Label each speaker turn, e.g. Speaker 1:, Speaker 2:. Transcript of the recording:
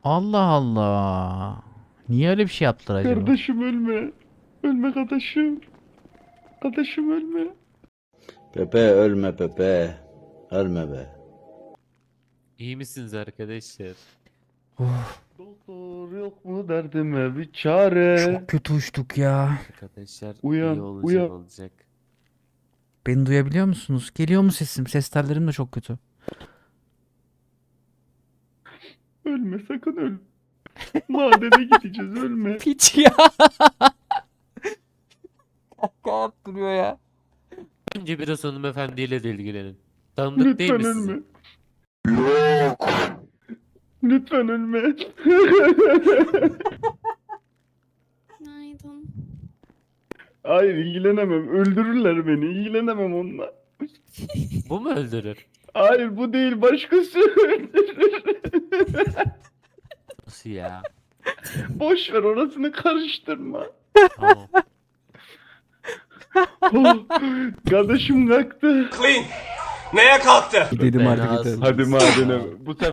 Speaker 1: Allah Allah. Niye öyle bir şey yaptılar acaba?
Speaker 2: Kardeşim ölme. Ölme kardeşim. Kardeşim ölme.
Speaker 3: Pepe ölme Pepe. Ölme be.
Speaker 4: İyi misiniz arkadaşlar?
Speaker 2: Doktor yok mu derdime bir çare.
Speaker 1: Çok kötü uçtuk ya.
Speaker 4: Arkadaşlar
Speaker 2: Uyan,
Speaker 4: iyi olacak
Speaker 2: uyan.
Speaker 4: olacak.
Speaker 1: Beni duyabiliyor musunuz? Geliyor mu sesim? Ses tellerim de çok kötü.
Speaker 2: Ölme sakın ölme. Madene gideceğiz ölme.
Speaker 1: Piç ya. Kaka yaptırıyor ya.
Speaker 4: Önce biraz hanımefendiyle de ilgilenin. Tanıdık değil
Speaker 2: Lütfen
Speaker 4: mi size?
Speaker 2: ölme. Lütfen ölme.
Speaker 5: Günaydın.
Speaker 2: Hayır ilgilenemem. Öldürürler beni. İlgilenemem onunla.
Speaker 4: Bu mu öldürür?
Speaker 2: Hayır bu değil başkası öldürür.
Speaker 4: Nasıl ya?
Speaker 2: Boş ver orasını karıştırma.
Speaker 4: Tamam.
Speaker 2: Oh, kardeşim kalktı.
Speaker 6: Neye kalktı?
Speaker 1: Gidelim artık
Speaker 4: Fenasın.
Speaker 1: gidelim.
Speaker 2: Hadi madene. Bu sefer